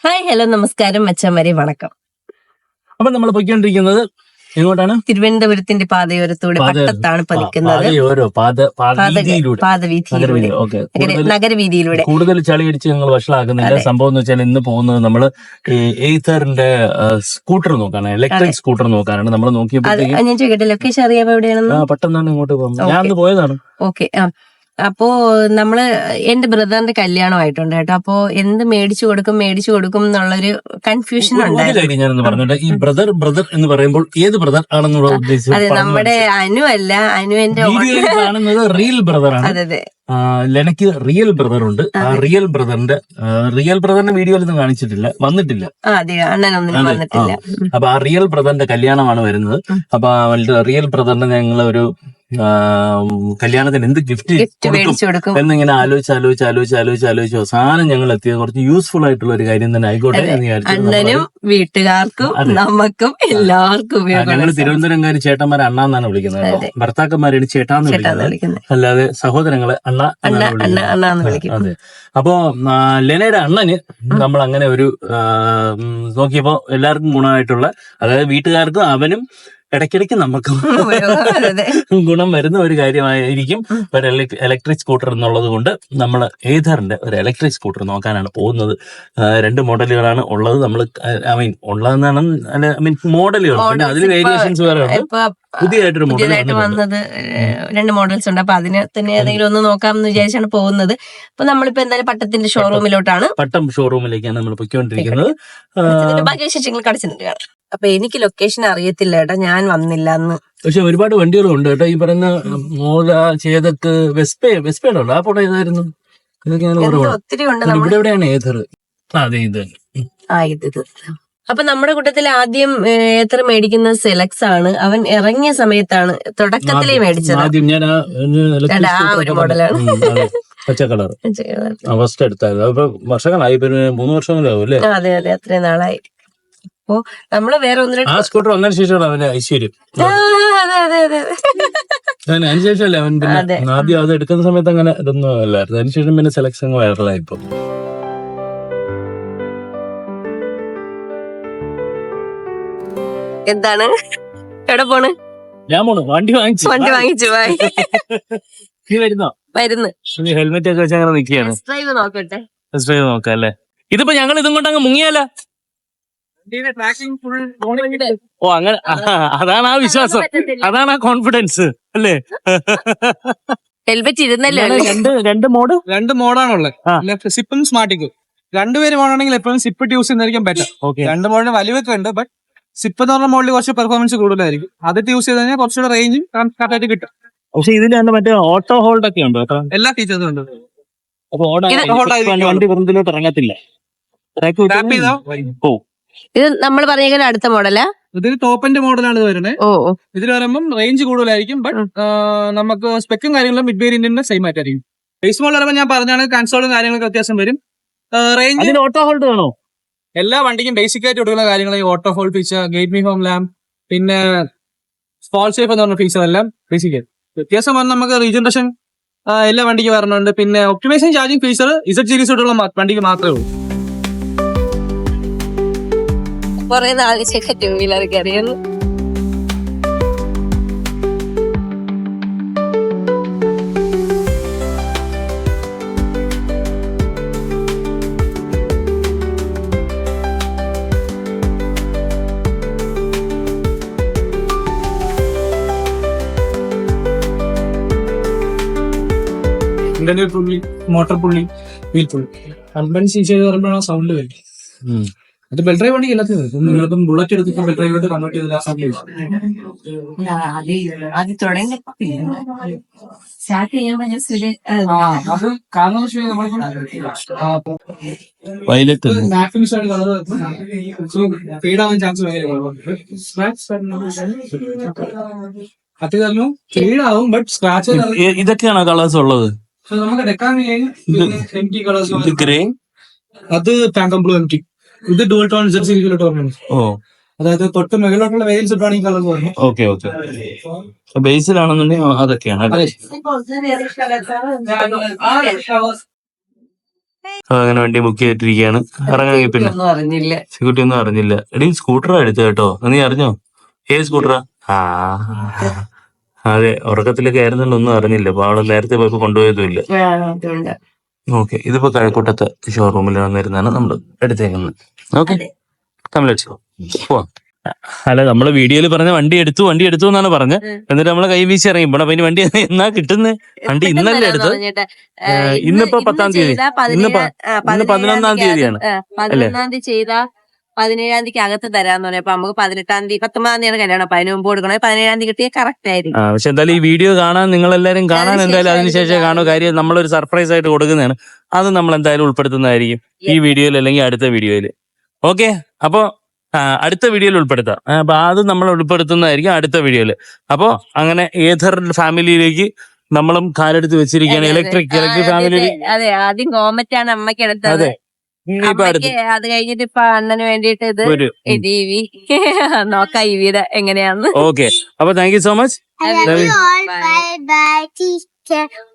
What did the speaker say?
Hi hello നമസ്കാരം മച്ചന്മാരെ വണക്കം. അപ്പൊ നമ്മൾ പോയിക്കൊണ്ടിരിക്കുന്നത് എങ്ങോട്ടാണ്? തിരുവനന്തപുരത്തിന്റെ പാതയോരത്തൂടെ പട്ടത്താണ് പതിക്കുന്നത്. പാതവീതിയിലൂടെ നഗരവീതിയിലൂടെ. കൂടുതൽ ചളി അടിച്ച് ഞങ്ങൾ വഷളാക്കുന്നില്ല. സംഭവം എന്ന് വെച്ചാൽ ഇന്ന് പോകുന്നത് നമ്മള് എയ്തറിന്റെ സ്കൂട്ടർ നോക്കാനാണ്, ഇലക്ട്രിക് സ്കൂട്ടർ നോക്കാനാണ് നമ്മൾ നോക്കിയപ്പോൾ. ഞാൻ ചോദിക്കട്ടെ, ലൊക്കേഷൻ അറിയാമോ എവിടെയാണെന്ന്? പെട്ടെന്നാണ് ഇങ്ങോട്ട് പോകുന്നത്. ഞാൻ അന്ന് പോയതാണ്. ഓക്കെ. അപ്പോ നമ്മള് എന്റെ ബ്രദറിന്റെ കല്യാണമായിട്ടുണ്ട് കേട്ടോ. അപ്പോ എന്ത് മേടിച്ചു കൊടുക്കും എന്നുള്ളൊരു കൺഫ്യൂഷൻ ഉണ്ടായിരുന്നു. ഞാനൊന്ന് പറഞ്ഞിട്ട്, ഈ ബ്രദർ എന്ന് പറയുമ്പോൾ ഏത് ബ്രദർ ആണെന്നുള്ള ഉദ്ദേശിച്ചത്? അതെ, നമ്മുടെ അനു അല്ല, അനുവിന്റെ കാണുന്നത് റിയൽ ബ്രദർ ആണ്. അതെ, ലെനക്ക് റിയൽ ബ്രദർ ഉണ്ട്. ആ റിയൽ ബ്രദറിന്റെ വീഡിയോയിലൊന്നും കാണിച്ചിട്ടില്ല, വന്നിട്ടില്ല. അണ്ണനൊന്നും വന്നിട്ടില്ല. അപ്പൊ ആ റിയൽ ബ്രദറിന്റെ കല്യാണമാണ് വരുന്നത്. അപ്പൊ റിയൽ ബ്രദറിന് ഞങ്ങൾ ഒരു കല്യാണത്തിന് എന്ത് ഗിഫ്റ്റ് കൊടുക്കും എന്നിങ്ങനെ ആലോചിച്ച് അവസാനം ഞങ്ങൾ എത്തിയത് കുറച്ച് യൂസ്ഫുൾ ആയിട്ടുള്ള ഒരു കാര്യം തന്നെ ആയിക്കോട്ടെ എന്ന് വിചാരിച്ചു. അണ്ണനും വീട്ടുകാർക്കും നമുക്കും എല്ലാവർക്കും. ഞങ്ങൾ തിരുവനന്തപുരംകാര് ചേട്ടന്മാരെ അണ്ണാന്നാണ് വിളിക്കുന്നത്. ഭർത്താക്കന്മാരാണ് ചേട്ടാന്ന് വിളിക്കുന്നത്, അല്ലാതെ സഹോദരങ്ങളെ അണ്ണ അണ്ണാന്ന് വിളിക്കുന്നത്. അതെ. അപ്പൊ ലെനയുടെ അണ്ണന് നമ്മൾ അങ്ങനെ ഒരു നോക്കിയപ്പോ എല്ലാവർക്കും ഗുണമായിട്ടുള്ള, അതായത് വീട്ടുകാർക്കും അവനും ഇടയ്ക്കിടയ്ക്ക് നമുക്ക് ഗുണം വരുന്ന ഒരു കാര്യമായിരിക്കും ഒരു ഇലക്ട്രിക് സ്കൂട്ടർ എന്നുള്ളത് കൊണ്ട് നമ്മൾ ഏതറിന്റെ ഒരു ഇലക്ട്രിക് സ്കൂട്ടർ നോക്കാനാണ് പോകുന്നത്. 2 മോഡലുകളാണ് ഉള്ളത്. നമ്മൾ ഉള്ളതെന്നാണ് മോഡലുകൾ, പിന്നെ അതിൽ വേരിയേഷൻസ് വേറെ ഉണ്ട്. പുതിയതായിട്ടൊരു പുതിയതായിട്ട് വന്നത് 2 മോഡൽസ് ഉണ്ട്. അപ്പൊ അതിന് തന്നെ ഏതെങ്കിലും ഒന്ന് നോക്കാമെന്ന് വിചാരിച്ചാണ് പോകുന്നത്. അപ്പൊ നമ്മളിപ്പോ എന്തായാലും പട്ടത്തിന്റെ ഷോറൂമിലോട്ടാണ്, പട്ടം ഷോറൂമിലേക്കാണ് നമ്മൾ പൊയ്ക്കൊണ്ടിരിക്കുന്നത്. ബാക്കി വിശേഷങ്ങൾ കടച്ചിട്ടുണ്ട്. അപ്പൊ എനിക്ക് ലൊക്കേഷൻ അറിയത്തില്ല കേട്ടോ, ഞാൻ വന്നില്ല അന്ന്. പക്ഷെ ഒരുപാട് വണ്ടികളുണ്ട് കേട്ടോ. ഈ പറയുന്ന മോല, ചേതക്ക്, വെസ്പയുടെ ആ പോട്ടെ ഏതായിരുന്നു? ഒത്തിരി ഉണ്ട്. ഇവിടെ എവിടെയാണ് ഏതർ? അതെ, ഇത് ഇത്. അപ്പൊ നമ്മുടെ കൂട്ടത്തിൽ ആദ്യം ഏത്തർ മേടിക്കുന്നത് സെലക്സ് ആണ്. അവൻ ഇറങ്ങിയ സമയത്താണ് തുടക്കത്തിലേ മേടിച്ചത്. ആദ്യം ഞാൻ ആ ഒരു മോഡലാണ്, പച്ച കളർ ഫസ്റ്റ് എടുത്തായിരുന്നു. അപ്പൊ വർഷങ്ങളായി, 3 വർഷങ്ങളാവും അല്ലേ? അതെ, അത്രയും നാളായി. അപ്പൊ നമ്മള് വേറെ ആ സ്കൂട്ടർ വന്നതിന് ശേഷമാണ് അവന്റെ ഐശ്വര്യം. അതിനുശേഷമല്ലേ അവൻ പിന്നെ ആദ്യം അത് എടുക്കുന്ന സമയത്ത് അങ്ങനെ ഇതൊന്നും അല്ലായിരുന്നു. അതിനുശേഷം പിന്നെ സെലക്ഷൻ വൈറലായി. ഇപ്പൊ എന്താണ്, എവിടെ പോണ്? ഞാൻ പോണു, വണ്ടി വാങ്ങിച്ചു. നീ വരുന്നു? ഹെൽമെറ്റ് ഒക്കെ വെച്ച് അങ്ങനെ നിൽക്കുകയാണ്. ഡ്രൈവ് നോക്കാം അല്ലേ? ഇതിപ്പോ ഞങ്ങൾ ഇതും കൊണ്ട് അങ്ങ് മുങ്ങിയാലോ? ഓ, അങ്ങനെ അതാണ് ആ വിശ്വാസം, അതാണ് ആ കോൺഫിഡൻസ് അല്ലേ? ഹെൽമെറ്റ് ഇരുന്നല്ലേ? രണ്ട് മോഡാണുള്ളത്, സിപ്പും സ്മാർട്ടിക്കും. 2 പേര് മോഡാണെങ്കിൽ എപ്പോഴും സിപ്പ് യൂസ് ചെയ്യുന്നതായിരിക്കും ബെറ്റർ. 2 മോഡിന് വലിവൊക്കെ ഉണ്ട്, ബട്ട് സിപ്പ് എന്ന് പറഞ്ഞ മോഡിൽ കുറച്ച് പെർഫോമൻസ് കൂടുതലായിരിക്കും. അതിട്ട് യൂസ് ചെയ്ത് കഴിഞ്ഞാൽ കുറച്ചുകൂടെ റേഞ്ചും കറക്റ്റായിട്ട് കിട്ടും. പക്ഷെ ഇതിൽ മറ്റേ ഓട്ടോ ഹോൾഡ് ഒക്കെ ഉണ്ട്, എല്ലാ ഫീച്ചേഴ്സും ഉണ്ട്. അപ്പൊ വണ്ടി വെറുതിലോട്ട് ഇറങ്ങത്തില്ല. ഇത് നമ്മൾ പറഞ്ഞ അടുത്ത മോഡലാ? ഇതിന് ടോപ്പിന്റെ മോഡലാണ് ഇത് വരുന്നത്. ഇതിൽ വരുമ്പം റേഞ്ച് കൂടുതലായിരിക്കും, ബട്ട് നമുക്ക് സ്പെക്കും കാര്യങ്ങളും മിഡ് വേരിയന്റിന്റെ സെയിം ആയിട്ടായിരിക്കും. ബേസ് മോഡൽ വരുമ്പോൾ ഞാൻ പറഞ്ഞാണ് കൺസോളും കാര്യങ്ങളൊക്കെ വ്യത്യാസം വരും. റേഞ്ച് ഓട്ടോ ഹോൾഡ് വേണോ? എല്ലാ വണ്ടിക്കും ബേസിക് ആയിട്ട് കൊടുക്കുന്ന കാര്യങ്ങൾ ഈ auto hold feature, guide me home lamp, പിന്നെ ഫാൾ സേഫ് എന്ന് പറഞ്ഞ ഫീച്ചർ എല്ലാം ബേസിക് ആയിട്ട്. വ്യത്യാസം പറഞ്ഞാൽ നമുക്ക് റീജനറേഷൻ എല്ലാ വണ്ടിക്ക് വരണുണ്ട്. പിന്നെ ഒപ്റ്റിമൈസേഷൻ ചാർജിങ് ഫീച്ചർ Z സീരീസോടുള്ള വണ്ടിക്ക് മാത്രമേ ഉള്ളൂ. കുറെ നാളിച്ചൊക്കെ 2 വീലറൊക്കെ അറിയുന്നു. പുള്ളി, മോട്ടോർ പുള്ളി, വീൽ പുള്ളി, 150 cc പറയുമ്പോഴാണ് സൗണ്ട് വരും. അത് ബെൽ ഡ്രൈവ് വണ്ടി എല്ലാത്തിനും വരും. നിങ്ങളിപ്പം ബുള്ളറ്റ് എടുത്തിട്ട് ബെൽ ഡ്രൈവിലോട്ട് കൺവേർട്ട് ചെയ്തില്ല. അത് കാരണം ഫീഡാവാൻ ചാൻസ് അത്യാവശ്യം ഫീഡാവും, ബട്ട് സ്ക്രാച്ച്. ഇതൊക്കെയാണോ കളേഴ്സ് ഉള്ളത്? നമുക്ക് MT കളേഴ്സ്, ഗ്രേ, അത് പാങ്കം ബ്ലൂ MT, ഇത് ഡുവൽ ടോൺ Z സീരീസിലോട്ട് പറഞ്ഞു. അതായത് തൊട്ട് മുകളിലോട്ടുള്ള വേരിയൻസ് ഇട്ടാണ് ഈ കളർ പറഞ്ഞത്. ഓക്കെ ബേസിലാണെന്നുണ്ടെങ്കിൽ അതൊക്കെയാണ്. അങ്ങനെ വണ്ടി ബുക്ക് ചെയ്തിട്ടിരിക്കുകയാണ്. ഇറങ്ങാൻ പിന്നെ ഒന്നും അറിഞ്ഞില്ല. സെക്യൂരിറ്റി ഒന്നും അറിഞ്ഞില്ല. എടീ സ്കൂട്ടറാ എടുത്തത് കേട്ടോ, നീ അറിഞ്ഞോ? ഏത് സ്കൂട്ടറാ? അതെ, ഉറക്കത്തിലൊക്കെ ആയിരുന്നുകൊണ്ട് ഒന്നും അറിഞ്ഞില്ല. അപ്പൊ അവള് നേരത്തെ പോയപ്പോ കൊണ്ടുപോയതുമില്ല. ഓക്കെ, ഇതിപ്പോ കഴക്കൂട്ടത്തെ ഷോറൂമിൽ വന്നിരുന്നാണ് നമ്മൾ എടുത്തേക്കുന്നത്. ഓക്കെ, പോവാം. അല്ല, നമ്മള് വീഡിയോയിൽ പറഞ്ഞ വണ്ടി എടുത്തു എന്നാണ് പറഞ്ഞത്. എന്നിട്ട് നമ്മളെ കൈ വീശി ഇറങ്ങി പോണം. അപ്പൊ ഇനി വണ്ടി എന്നാ കിട്ടുന്നത്? വണ്ടി ഇന്നല്ലേ എടുത്തത്? ഇന്നിപ്പോ 10-ാം തീയതി, ഇന്ന് 11-ാം തീയതിയാണ് അല്ലേ? 11-ാം തീയതി ചെയ്താ 17-ാം തീയതിക്ക് അകത്ത് തരാന്ന് പറയാം. അപ്പൊ നമുക്ക് 18-ാം തീയതി 19-ാം തീയതിയാണ് കല്യാണം. അപ്പൊ അതിന് മുമ്പ് കൊടുക്കണേ 17-ാം തീയതി കിട്ടിയ കറക്റ്റ് ആയിരിക്കും. പക്ഷെ എന്തായാലും ഈ വീഡിയോ കാണാൻ നിങ്ങളെല്ലാരും കാണാൻ എന്തായാലും അതിനുശേഷം കാണുക. കാര്യം നമ്മളൊരു സർപ്രൈസ് ആയിട്ട് കൊടുക്കുന്നതാണ്. അത് നമ്മൾ എന്തായാലും ഉൾപ്പെടുത്തുന്നതായിരിക്കും ഈ വീഡിയോയിൽ അല്ലെങ്കിൽ അടുത്ത വീഡിയോയിൽ. ഓക്കെ, അപ്പൊ അടുത്ത വീഡിയോയിൽ ഉൾപ്പെടുത്താം. അപ്പൊ അത് നമ്മൾ ഉൾപ്പെടുത്തുന്നതായിരിക്കും അടുത്ത വീഡിയോയിൽ. അപ്പൊ അങ്ങനെ ഏതർ ഫാമിലിയിലേക്ക് നമ്മളും കാലെടുത്ത് വെച്ചിരിക്കുകയാണ്. Electric family. അതെ, ആദ്യം കോമറ്റാണ് അമ്മയ്ക്ക് എടുത്തത്. അത് കഴിഞ്ഞിട്ട് ഇപ്പൊ അണ്ണന് വേണ്ടിയിട്ട് ഇത് ഇവി നോക്കാം ഈ വീട് എങ്ങനെയാന്ന്. ഓക്കെ, അപ്പൊ thank you so much. I love you all. Bye bye, teacher.